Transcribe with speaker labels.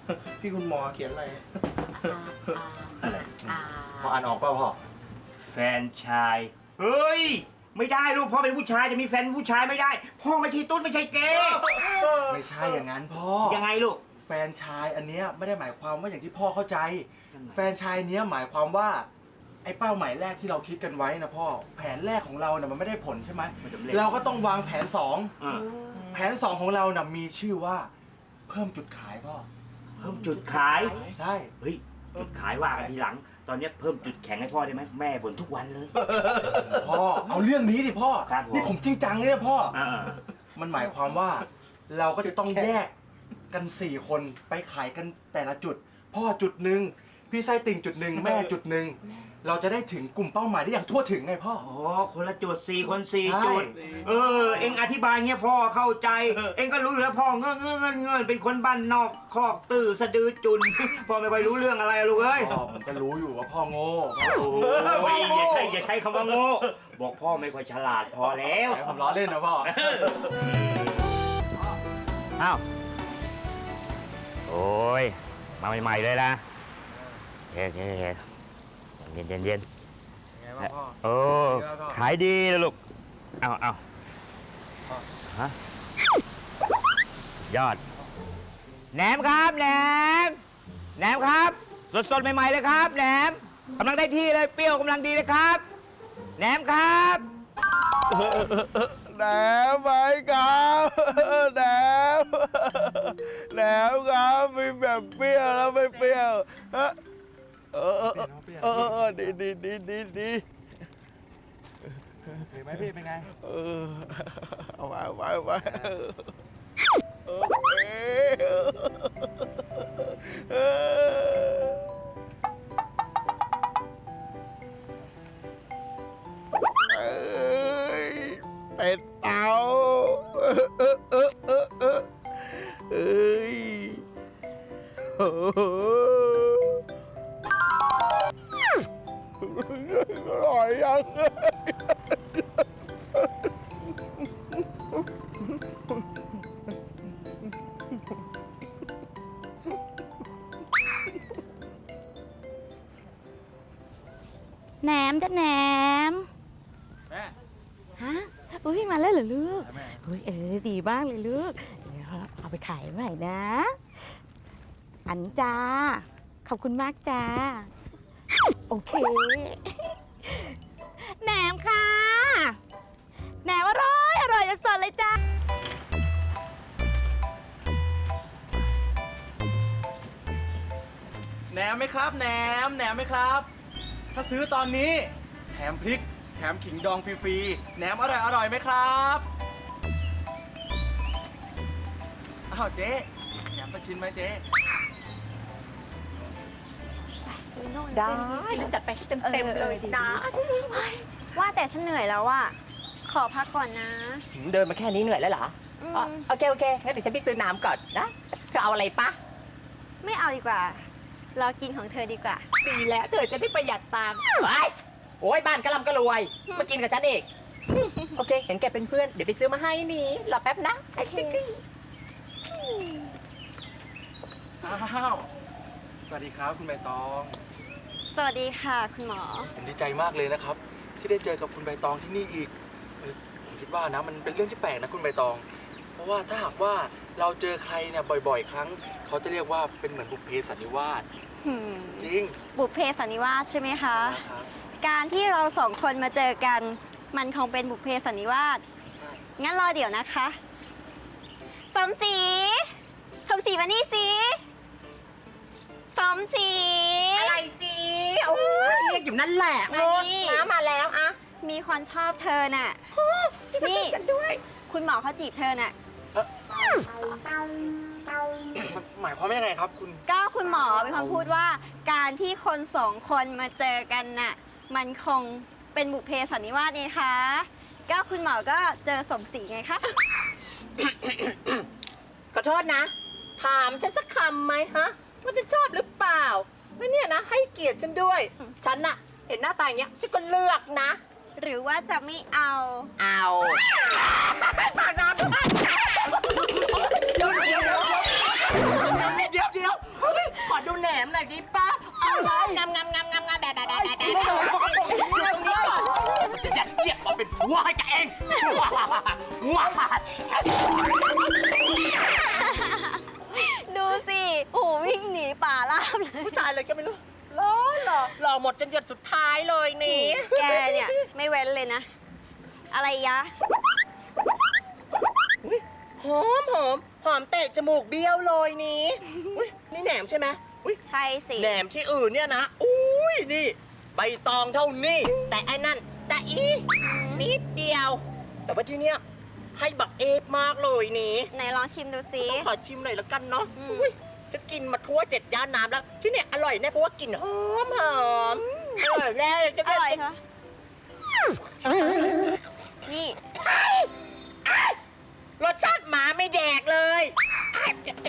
Speaker 1: พี่คุณหมอเขียนอะไร
Speaker 2: อะไร
Speaker 1: พออ่านออกเปล่าพ่อ
Speaker 2: แฟนชายเฮ้ยไม่ได้ลูกพ่อเป็นผู้ชายจะมีแฟนผู้ชายไม่ได้ พ่อไม่ใช่ตุ๊ดไม่ใช่เกย์
Speaker 3: ไม่ใช่อย่างนั้นพ่อ
Speaker 2: ยังไงลูก
Speaker 3: แฟนชายอันเนี้ยไม่ได้หมายความว่าอย่างที่พ่อเข้าใจ แฟนชายเนี้ยหมายความว่าไอ้เป้าหมายแรกที่เราคิดกันไว้นะพ่อแผนแรกของเราเนี่ยมันไม่ได้ผลใช่ไหม
Speaker 2: ไม่สำเร็จ
Speaker 3: เราก็ต้องวางแผนสอง
Speaker 2: อ่า
Speaker 3: แผนสองของเราน่ะมีชื่อว่าเพิ่มจุดขายพ่อ
Speaker 2: เพิ่มจุดขาย
Speaker 3: ใช่
Speaker 2: เฮ้ยจุดขายว่ากันทีหลัง ตอนนี้เพิ่มจุดแข็งให้พ่อได้ไหมแม่บ่นทุกวันเลย
Speaker 3: พ่อเอาเรื่องนี้ดิพ่อ
Speaker 2: ครับผม
Speaker 3: นี่ผมจริงจังเลยนะพ่อ
Speaker 2: อ่า
Speaker 3: มันหมายความว่าเราก็จะต้องแยกกัน4คนไปขายกันแต่ละจุด พ่อจุดหนึ่งพี่ไส้ติ่งจุดหนึ่งแม่จุดหนึ่งเราจะได้ถึงกลุ่มเป้าหมายได้อย่างทั่วถึงไงพ่อ
Speaker 2: อ๋อคนละจุด4 คน4
Speaker 3: ใช่
Speaker 2: จุดเอ็งอธิบายเงี้ยพ่อเข้าใจ เอ็งก็รู้อยู่แล้วพ่อเงื่อนเป็นคนบ้านนอกคอกตื้อสะดือจุน พ่อไม่ค่อยรู้เรื่องอะไรอะลูกเอ้ย
Speaker 3: พ่อผมก็รู้อยู่ว่าพ่อโง่
Speaker 2: โอ้ยอย่าใช้คำว่าโง่บอกพ่อไม่ค่อยฉลาดพอแล้ว
Speaker 3: แต่ผมล้อเล่นนะพ่อ
Speaker 2: อ้าวโอ้ยมาใหม่ๆเลยนะเย็น
Speaker 3: ไงบ้างพ่อ
Speaker 2: โอ้ขายดีเลยลูกเอาฮะยอดแหนมครับแหนมครับสดๆใหม่ๆเลยครับแหนมกำลังได้ที่เลยเปรี้ยวกำลังดีเลยครับแหนมครับ
Speaker 1: แหนมไหมครับแหนมครับมีแบบเปรี้ยวแล้วไม่เปรี้ยวฮะดีเ
Speaker 3: ห็นไหมพี่เป็นไง
Speaker 1: เอาไปเป็ดเต่าเอ้ยอร่อยยัง
Speaker 4: แหนมจ้ะแหนม
Speaker 3: แม่
Speaker 4: ฮะอุ้ยมาแล้วเหรอลูก
Speaker 3: แม่
Speaker 4: อุ้ยดีมากเลยลูกเดี๋ยวเอาไปขายใหม่นะ อันจ้าขอบคุณมากจ้าโอเคแหนมค่ะแหนมอร่อยจะสดเลยจ้า
Speaker 3: แหนมไหมครับแหนมไหมครับ ถ้าซื้อตอนนี้แถมพริกแถมขิงดองฟรีๆแหนมอร่อยไหมครับอ้าวเจ๊แหนมสักชิ้นไหมเจ๊
Speaker 5: ได้แล้วจัดไปให้เต็มๆเลยนะ
Speaker 6: ว่าแต่ฉันเหนื่อยแล้วอะขอพักก่อนนะ
Speaker 5: เดินมาแค่นี้เหนื่อยแล้วเหรออ๋อโอเคงั้นเดี๋ยวฉันไปซื้อน้ำก่อนนะ เธอเอาอะไรปะ
Speaker 6: ไม่เอาดีกว่า รอกินของเธอดีกว่า
Speaker 5: ดีแล้วเธอจะได้ประหยัดตังค์โอ้ยบ้านกะลำกะรวย มากินกับฉันเองโอเค เห็นแกเป็นเพื่อน เดี๋ยวไปซื้อมาให้นี่รอแป๊บนะไอ้จิ๊กกี้
Speaker 3: อ้าวสวัสดีครับคุณใบตอง
Speaker 6: สวัสดีค่ะคุณหมอ
Speaker 3: ผมดีใจมากเลยนะครับ ที่ได้เจอกับคุณใบตองที่นี่อีกผมคิดว่านะมันเป็นเรื่องที่แปลกนะคุณใบตอง เพราะว่าถ้าหากว่าเราเจอใครเนี่ยบ่อยๆ ครั้ง เขาจะเรียกว่าเป็นเหมือนบุพเพสันนิวาสจริง
Speaker 6: บุพเพสันนิวาสใช่ไหมคะ
Speaker 3: นะครับ
Speaker 6: การที่เราสองคนมาเจอกัน มันคงเป็นบุพเพสันนิวาส
Speaker 3: ใช่
Speaker 6: งั้นรอเดี๋ยวนะคะสมศรีมานี่สิสมศรี
Speaker 5: อะไรสิโอ้ยเรียกอยู่นั่นแหละ
Speaker 6: มานี่
Speaker 5: น้ำมาแล้วอะ
Speaker 6: มีคนชอบเธอน่ะ
Speaker 5: นี่ฉันด้วย
Speaker 6: คุณหมอเขาจีบเธอน่ะ
Speaker 3: หมายความว่ายังไงครับคุณ
Speaker 6: ก็คุณหมอเป็นคนพูดว่าการที่คนสองคนมาเจอกันน่ะมันคงเป็นบุพเพสันนิวาสนี่คะก็คุณหมอก็เจอสมศรีไงคะ
Speaker 5: ขอโทษนะ ถามฉันสักคำไหมฮะว่าจะชอบหรือเปล่าแล้วเนี่ยนะ ให้เกียรติฉันด้วย ฉันน่ะ เห็นหน้าตาอย่างเงี้ยฉันก็เลือกนะ
Speaker 6: หรือว่าจะไม่เอา
Speaker 5: เอาฝากน้ำด้วยเดี๋ยวแหนมหน่อยดิป้าเอางามแบบอยู่ตรงนี้ก่อนจะยัดเยียดมาเป็นผัวให้กับเองว้า
Speaker 6: ดูสิโอ้โหวิ่งหนีป่าราบเลย
Speaker 5: ผู้ชายเลยก็ไม่รู้หล่อหมดจนหยดสุดท้ายเลยนี่
Speaker 6: แกเนี่ยไม่เว้นเลยนะ อะไรยะ
Speaker 5: หอมเตะจมูกเบี้ยวเลยนี่อุ๊ยนี่แหนมใช่ไหมอุ๊ย
Speaker 6: ใช่สิ
Speaker 5: แหนมที่อื่นเนี่ยนะอุ้ยนี่ใบตองเท่านี้ แต่ไอ้นั่นแต่อีนิดเดียว แต่ว่าที่เนี้ยให้บักเอฟมากเลยนี่
Speaker 6: ไหนลองชิมดูสิ
Speaker 5: ขอชิมหน่อยละกันเนาะ
Speaker 6: อืม
Speaker 5: อุ๊ยฉันกินมาทั่ว7 ย่านน้ำแล้ว ที่เนี่ยอร่อยแน่เพราะว่ากลิ่นหอมอร่อยแน่จะ
Speaker 6: อร่อยคะนี่
Speaker 5: รสชาติหมาไม่แดกเลย